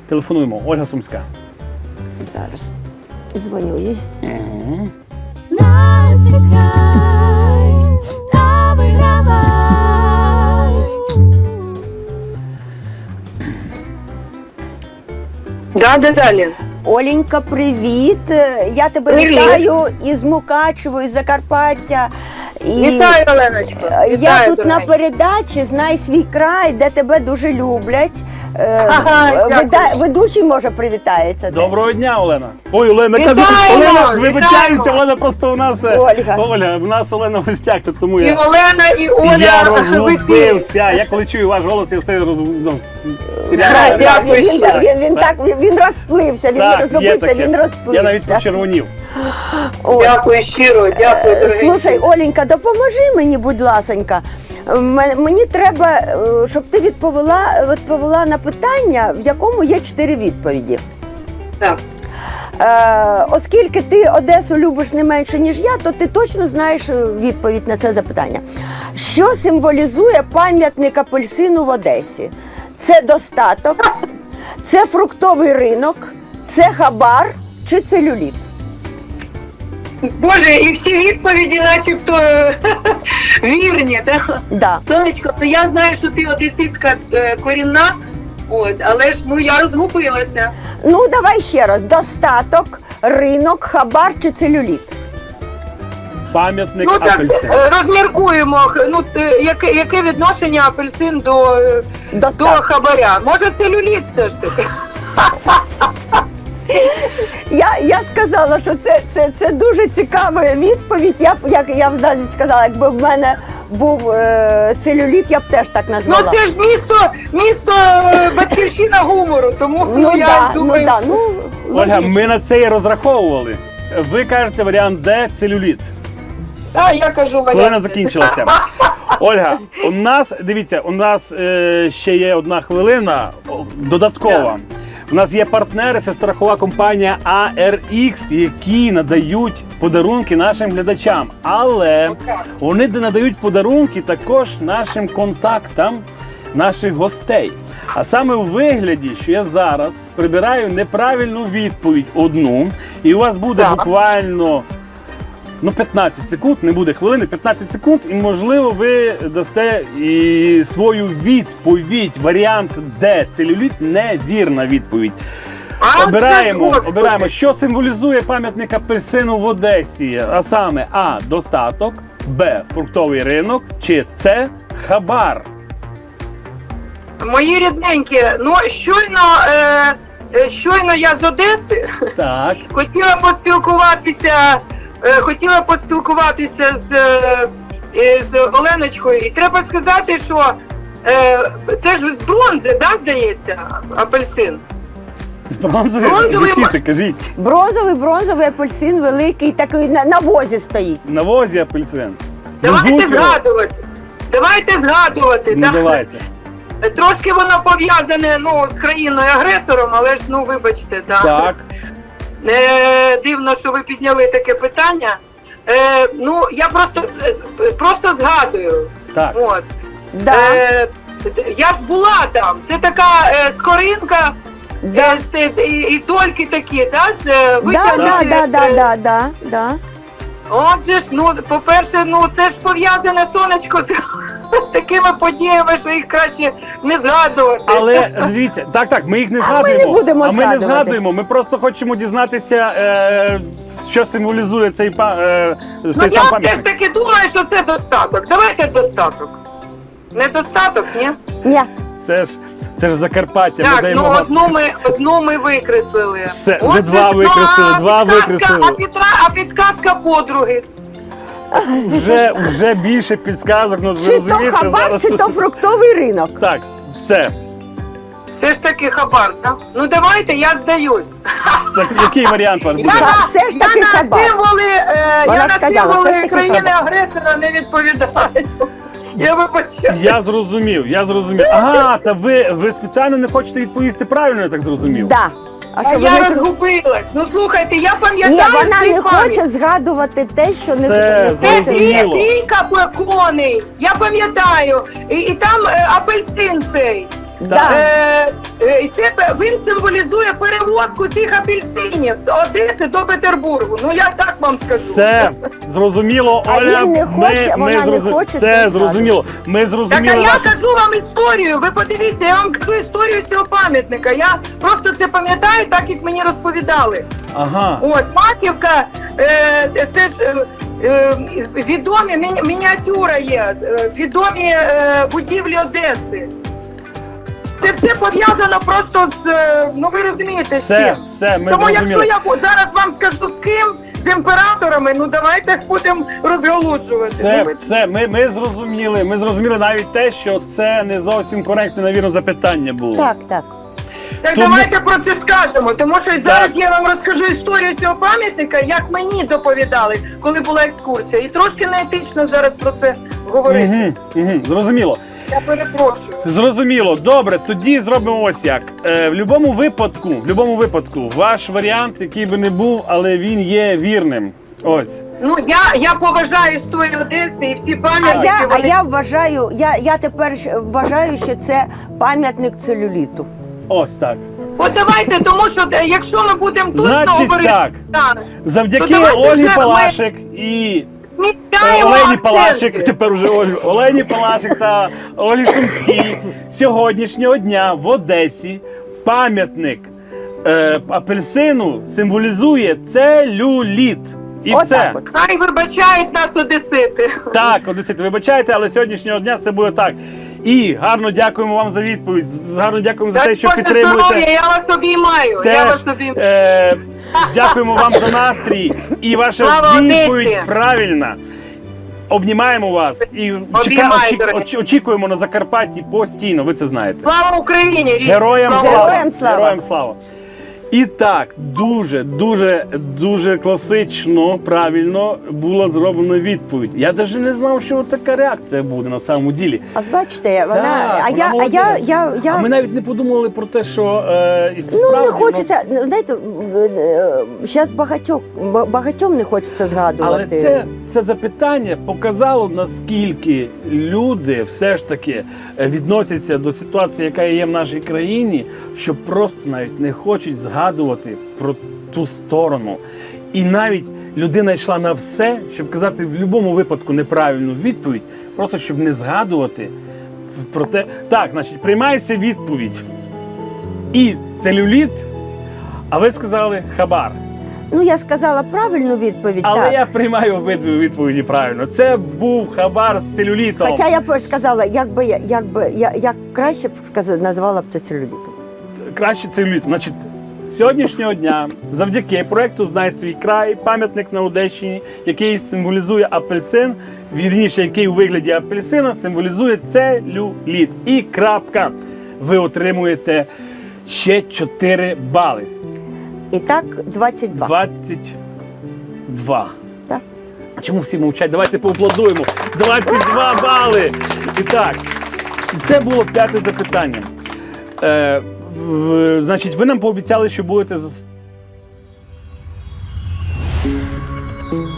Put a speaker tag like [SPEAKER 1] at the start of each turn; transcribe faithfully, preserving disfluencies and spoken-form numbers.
[SPEAKER 1] Телефонуємо. Ольга Сумська.
[SPEAKER 2] Зараз дзвоню їй.
[SPEAKER 1] Угу.
[SPEAKER 3] Насікай та вигравай.
[SPEAKER 4] Да, да, далі.
[SPEAKER 2] Оленька, привіт! Я тебе
[SPEAKER 4] Привіт.
[SPEAKER 2] вітаю із Мукачево, із Закарпаття. І
[SPEAKER 4] Вітаю, Оленочка.
[SPEAKER 2] Я
[SPEAKER 4] Вітаю,
[SPEAKER 2] тут на
[SPEAKER 4] дорогенька.
[SPEAKER 2] передачі «Знай свій край», де тебе дуже люблять. Е,
[SPEAKER 4] Ага,
[SPEAKER 2] веда-
[SPEAKER 4] дякую.
[SPEAKER 2] Ведучий, може, привітається.
[SPEAKER 1] Доброго дня, Олена. Ой, Олена,
[SPEAKER 4] Вітаємо,
[SPEAKER 1] кажу, Олена,
[SPEAKER 4] вітаємо.
[SPEAKER 1] вибачаюся, Олена просто у нас... е,
[SPEAKER 2] Ольга.
[SPEAKER 1] Оля, у нас Олена в гостях, то тому
[SPEAKER 4] І
[SPEAKER 1] я...
[SPEAKER 4] Олена, і Оля
[SPEAKER 1] Я
[SPEAKER 4] в ефірі.
[SPEAKER 1] розгубився. Я коли чую ваш голос, я все роз... ну,
[SPEAKER 2] Так,
[SPEAKER 1] теряю.
[SPEAKER 4] дякую
[SPEAKER 2] він,
[SPEAKER 4] ще.
[SPEAKER 2] він, він, так, він, він розплився, він не
[SPEAKER 1] Так, є
[SPEAKER 2] розгубився,
[SPEAKER 1] таке.
[SPEAKER 2] він розплився.
[SPEAKER 1] Я навіть почервонів.
[SPEAKER 2] Ой.
[SPEAKER 4] Дякую щиро, дякую,
[SPEAKER 2] Е,
[SPEAKER 4] дорогенька.
[SPEAKER 2] Слушай, Оленька, допоможи мені, будь ласонька. М- Мені треба, е, щоб ти відповіла, відповіла на питання, в якому є чотири відповіді.
[SPEAKER 4] Так.
[SPEAKER 2] Е, оскільки ти Одесу любиш не менше, ніж я, то ти точно знаєш е, відповідь на це запитання. Що символізує пам'ятник апельсину в Одесі? Це достаток, це фруктовий ринок, це хабар чи целюліт?
[SPEAKER 4] Боже, і всі відповіді начебто вірні, так?
[SPEAKER 2] Да.
[SPEAKER 4] Сонечко, ну я знаю, що ти одеситка е, корінна, от, але ж ну я розгубилася.
[SPEAKER 2] Ну, давай ще раз. Достаток, ринок, хабар чи целюліт?
[SPEAKER 1] Пам'ятник
[SPEAKER 4] Ну так,
[SPEAKER 1] апельсин.
[SPEAKER 4] е, розміркуємо, х- ну, е, яке, яке відношення апельсин до, е, до
[SPEAKER 2] Достаток.
[SPEAKER 4] хабаря. Може целюліт все ж таки?
[SPEAKER 2] Я, я сказала, що це, це, це дуже цікава відповідь. Я б, як я б навіть сказала, якби в мене був е, целюліт, я б теж так
[SPEAKER 4] Ну
[SPEAKER 2] назвала.
[SPEAKER 4] це ж місто, місто е, батьківщина гумору, тому
[SPEAKER 2] ну,
[SPEAKER 4] я
[SPEAKER 2] да,
[SPEAKER 4] думаю,
[SPEAKER 2] ну, да, ну,
[SPEAKER 1] Ольга,
[SPEAKER 2] логічно.
[SPEAKER 1] ми на це і розраховували. Ви кажете варіант Д – целюліт.
[SPEAKER 4] а, я кажу варіант.
[SPEAKER 1] Хвилина закінчилася. Ольга, у нас, дивіться, у нас е, ще є одна хвилина о, додаткова. У нас є партнери, це страхова компанія А Р Ікс, які надають подарунки нашим глядачам. Але вони надають подарунки також нашим контактам наших гостей. А саме у вигляді, що я зараз прибираю неправильну відповідь одну, і у вас буде
[SPEAKER 4] Так.
[SPEAKER 1] буквально ну, п'ятнадцять секунд, не буде хвилини, п'ятнадцять секунд, і можливо ви дасте і свою відповідь. Варіант Д. Целюліт – невірна відповідь.
[SPEAKER 4] А, це ж,
[SPEAKER 1] Обираємо,
[SPEAKER 4] Господи.
[SPEAKER 1] обираємо, що символізує пам'ятник апельсину в Одесі. А саме А. Достаток, Б. Фруктовий ринок, чи С. Хабар.
[SPEAKER 4] Мої рідненькі, ну щойно, е, е, щойно я з Одеси,
[SPEAKER 1] Так.
[SPEAKER 4] хотіла поспілкуватися, е, хотіла поспілкуватися з, е, е, з Оленочкою. І треба сказати, що е, це ж з бронзи, да, здається, апельсин.
[SPEAKER 1] З бронзової
[SPEAKER 4] Бронзовий
[SPEAKER 1] висіти, кажіть.
[SPEAKER 2] Бронзовий, бронзовий апельсин великий, такий на, на возі стоїть.
[SPEAKER 1] На возі апельсин.
[SPEAKER 4] Давайте
[SPEAKER 1] Везуть його?
[SPEAKER 4] згадувати. Давайте згадувати.
[SPEAKER 1] Ну,
[SPEAKER 4] так?
[SPEAKER 1] давайте.
[SPEAKER 4] Трошки воно пов'язане ну, з країною-агресором, але ж, ну, вибачте, да.
[SPEAKER 1] Так.
[SPEAKER 4] Е, дивно, що ви підняли таке питання. Е, ну, я просто, е, просто згадую.
[SPEAKER 1] Так.
[SPEAKER 4] От.
[SPEAKER 2] Да,
[SPEAKER 4] Е, я ж була там. Це така е, скоринка,
[SPEAKER 2] да.
[SPEAKER 4] е, з- і, і дольки такі, да, з, е,
[SPEAKER 2] Да,
[SPEAKER 4] витягнуті,
[SPEAKER 2] да, да, да,
[SPEAKER 4] е,
[SPEAKER 2] да, да, да.
[SPEAKER 4] Отже ж, ну, по-перше, ну це ж пов'язане сонечко з такими подіями, що їх краще не згадувати.
[SPEAKER 1] Але дивіться, так, так, ми їх не
[SPEAKER 2] А ми
[SPEAKER 1] згадуємо.
[SPEAKER 2] не будемо
[SPEAKER 1] а ми не
[SPEAKER 2] згадувати.
[SPEAKER 1] згадуємо. Ми просто хочемо дізнатися, е, що символізує цей, па- е,
[SPEAKER 4] Ну
[SPEAKER 1] цей
[SPEAKER 4] я
[SPEAKER 1] сам
[SPEAKER 4] все ж
[SPEAKER 1] пам'ятник.
[SPEAKER 4] таки думаю, що це достаток. Давайте достаток. Недостаток, ні?
[SPEAKER 2] Ні.
[SPEAKER 1] Це ж це ж Закарпаття.
[SPEAKER 4] Так,
[SPEAKER 1] ми даємо
[SPEAKER 4] ну
[SPEAKER 1] вам-
[SPEAKER 4] одну ми одну ми викреслили.
[SPEAKER 1] Все,
[SPEAKER 4] От
[SPEAKER 1] вже
[SPEAKER 4] це
[SPEAKER 1] два
[SPEAKER 4] ж, ну,
[SPEAKER 1] викреслили,
[SPEAKER 4] а
[SPEAKER 1] два
[SPEAKER 4] підказка-
[SPEAKER 1] викреслили.
[SPEAKER 4] А, підра, а підказка подруги.
[SPEAKER 1] вже, вже більше підсказок. Ну, ви
[SPEAKER 2] Чи то
[SPEAKER 1] розумієте,
[SPEAKER 2] хабар,
[SPEAKER 1] зараз...
[SPEAKER 2] чи то фруктовий ринок.
[SPEAKER 1] Так, все.
[SPEAKER 4] Все ж таки хабар, так? Ну давайте, я здаюсь.
[SPEAKER 1] Так, який варіант ваш буде?
[SPEAKER 4] Я на,
[SPEAKER 2] Все ж таки
[SPEAKER 4] я на
[SPEAKER 2] хабар.
[SPEAKER 4] символи, е,
[SPEAKER 2] Вона
[SPEAKER 4] я на
[SPEAKER 2] сказала, все ж
[SPEAKER 4] символи
[SPEAKER 2] таки
[SPEAKER 4] країни-агресора не відповідаю. Я вибачаю.
[SPEAKER 1] Я зрозумів, я зрозумів. Ага, та ви, ви спеціально не хочете відповісти правильно, я так зрозумів?
[SPEAKER 2] Да. А
[SPEAKER 4] А
[SPEAKER 2] що
[SPEAKER 4] я
[SPEAKER 2] вони...
[SPEAKER 4] розгубилась. Ну слухайте, я
[SPEAKER 2] Ні,
[SPEAKER 4] пам'ятаю
[SPEAKER 2] вона
[SPEAKER 4] цей
[SPEAKER 2] не
[SPEAKER 4] пам'ять.
[SPEAKER 2] хоче згадувати те, що не,
[SPEAKER 1] Все,
[SPEAKER 2] не
[SPEAKER 4] Це
[SPEAKER 2] хоче.
[SPEAKER 4] дві,
[SPEAKER 1] зрозуміло.
[SPEAKER 4] трійка коней, я пам'ятаю. І, і там е, апельсин цей.
[SPEAKER 2] Да.
[SPEAKER 4] Е, е, і це пе- він символізує перевозку цих апельсинів з Одеси до Петербургу. Ну я так вам скажу.
[SPEAKER 1] Все зрозуміло,
[SPEAKER 2] А
[SPEAKER 1] Оля.
[SPEAKER 2] він не хоче,
[SPEAKER 1] ми, ми
[SPEAKER 2] вона не
[SPEAKER 1] зрозу-
[SPEAKER 2] хоче,
[SPEAKER 1] Все
[SPEAKER 2] то
[SPEAKER 1] зрозуміло. Ми
[SPEAKER 4] Так, а
[SPEAKER 1] зрозуміли
[SPEAKER 4] я
[SPEAKER 1] вашу...
[SPEAKER 4] кажу вам історію. Ви подивіться, я вам кажу історію цього пам'ятника. Я просто це пам'ятаю, так як мені розповідали.
[SPEAKER 1] Ага.
[SPEAKER 4] От Маківка, е, це ж е, е, відомі міні- мініатюра є, е, відомі е, будівлі Одеси. Це все пов'язано просто з, е, ну ви розумієте, з
[SPEAKER 1] Все,
[SPEAKER 4] цим.
[SPEAKER 1] все, ми
[SPEAKER 4] Тому
[SPEAKER 1] зрозуміли.
[SPEAKER 4] якщо я зараз вам скажу з ким, з імператорами, ну давайте будемо розголуджувати. Ну,
[SPEAKER 1] Все,
[SPEAKER 4] ви-
[SPEAKER 1] все, ми, ми зрозуміли. Ми зрозуміли навіть те, що це не зовсім коректне, навірно, запитання було.
[SPEAKER 2] Так, так.
[SPEAKER 4] Так
[SPEAKER 1] Тому-
[SPEAKER 4] давайте про це скажемо, тому що зараз я вам розкажу історію цього пам'ятника, як мені доповідали, коли була екскурсія. І трошки неетично зараз про це говорити.
[SPEAKER 1] Угу, угу, зрозуміло.
[SPEAKER 4] Я перепрошую.
[SPEAKER 1] Зрозуміло. Добре, тоді зробимо ось як. Е, в будь-якому випадку, в будь-якому випадку, ваш варіант, який би не був, але він є вірним. Ось.
[SPEAKER 4] Ну я, я поважаю історію Одеси і всі
[SPEAKER 2] А
[SPEAKER 4] пам'ятники.
[SPEAKER 2] я, а
[SPEAKER 4] вони-
[SPEAKER 2] я вважаю, я, я тепер щ- вважаю, що це пам'ятник целюліту.
[SPEAKER 1] Ось так.
[SPEAKER 4] От давайте, тому що е, якщо ми будемо точно
[SPEAKER 1] Значить
[SPEAKER 4] говорити,
[SPEAKER 1] так.
[SPEAKER 4] так,
[SPEAKER 1] Завдяки
[SPEAKER 4] То давайте
[SPEAKER 1] Ольгі
[SPEAKER 4] вже ми-
[SPEAKER 1] Палашик і
[SPEAKER 4] ми
[SPEAKER 1] Е,
[SPEAKER 4] вітаємо
[SPEAKER 1] Олені
[SPEAKER 4] акценти.
[SPEAKER 1] Палашик, тепер уже Оль- Олені Палашик та Олі Сумській сьогоднішнього дня в Одесі пам'ятник е, апельсину символізує целюліт. І
[SPEAKER 2] Отак
[SPEAKER 1] все.
[SPEAKER 2] от.
[SPEAKER 4] Хай вибачають нас одесити.
[SPEAKER 1] Так, Одесити, вибачайте, але сьогоднішнього дня це буде так. І гарно дякуємо вам за відповідь. з- Гарно дякуємо за те, що
[SPEAKER 4] Боже
[SPEAKER 1] підтримуєте.
[SPEAKER 4] здоров'я, я вас обіймаю. Я
[SPEAKER 1] Теж,
[SPEAKER 4] вас обіймаю.
[SPEAKER 1] е, дякуємо вам за настрій. І ваша
[SPEAKER 4] Слава
[SPEAKER 1] відповідь
[SPEAKER 4] Одесі!
[SPEAKER 1] правильна. Обнімаємо вас і чека-
[SPEAKER 4] Обіймаю,
[SPEAKER 1] очі-
[SPEAKER 4] дорогі.
[SPEAKER 1] очі- очікуємо на Закарпатті постійно, ви це знаєте.
[SPEAKER 4] Слава Україні! рідні!
[SPEAKER 1] Героям
[SPEAKER 4] Слава
[SPEAKER 1] слава!
[SPEAKER 2] Героям слава!
[SPEAKER 1] Героям слава! І так, дуже, дуже, дуже класично, правильно була зроблена відповідь. Я навіть не знав, що така реакція буде на самому ділі.
[SPEAKER 2] От бачите, вона.
[SPEAKER 1] Так,
[SPEAKER 2] а
[SPEAKER 1] вона
[SPEAKER 2] я, а я,
[SPEAKER 1] молодець.
[SPEAKER 2] я, я,
[SPEAKER 1] А ми навіть не подумали про те, що е, і
[SPEAKER 2] ну
[SPEAKER 1] справді,
[SPEAKER 2] не хочеться. Ну, знаєте, зараз багатьох ба- багатьом не хочеться
[SPEAKER 1] Але
[SPEAKER 2] згадувати.
[SPEAKER 1] це, це запитання показало, наскільки люди все ж таки е, відносяться до ситуації, яка є в нашій країні, що просто навіть не хочуть згадувати про ту сторону. І навіть людина йшла на все, щоб казати в будь-якому випадку неправильну відповідь, просто щоб не згадувати про те. Так, значить, приймається відповідь. І целюліт, а ви сказали хабар.
[SPEAKER 2] Ну я сказала правильну відповідь.
[SPEAKER 1] Але
[SPEAKER 2] так.
[SPEAKER 1] я приймаю обидві відповіді правильно. Це був хабар з целюлітом.
[SPEAKER 2] Хоча я б сказала, як би я, як би я як краще б сказала, назвала б це целюлітом.
[SPEAKER 1] Краще целюліт. Значить, з сьогоднішнього дня, завдяки проекту «Знай свій край», пам'ятник на Одещині, який символізує апельсин, вірніше, який у вигляді апельсина символізує целюліт. І крапка. Ви отримуєте ще чотири бали.
[SPEAKER 2] І так, двадцять два.
[SPEAKER 1] двадцять два.
[SPEAKER 2] Так.
[SPEAKER 1] А чому всі мовчать? Давайте поаплодуємо. двадцять два бали. І так, і це було п'яте запитання. Е, в- значить, ви нам пообіцяли, що будете з-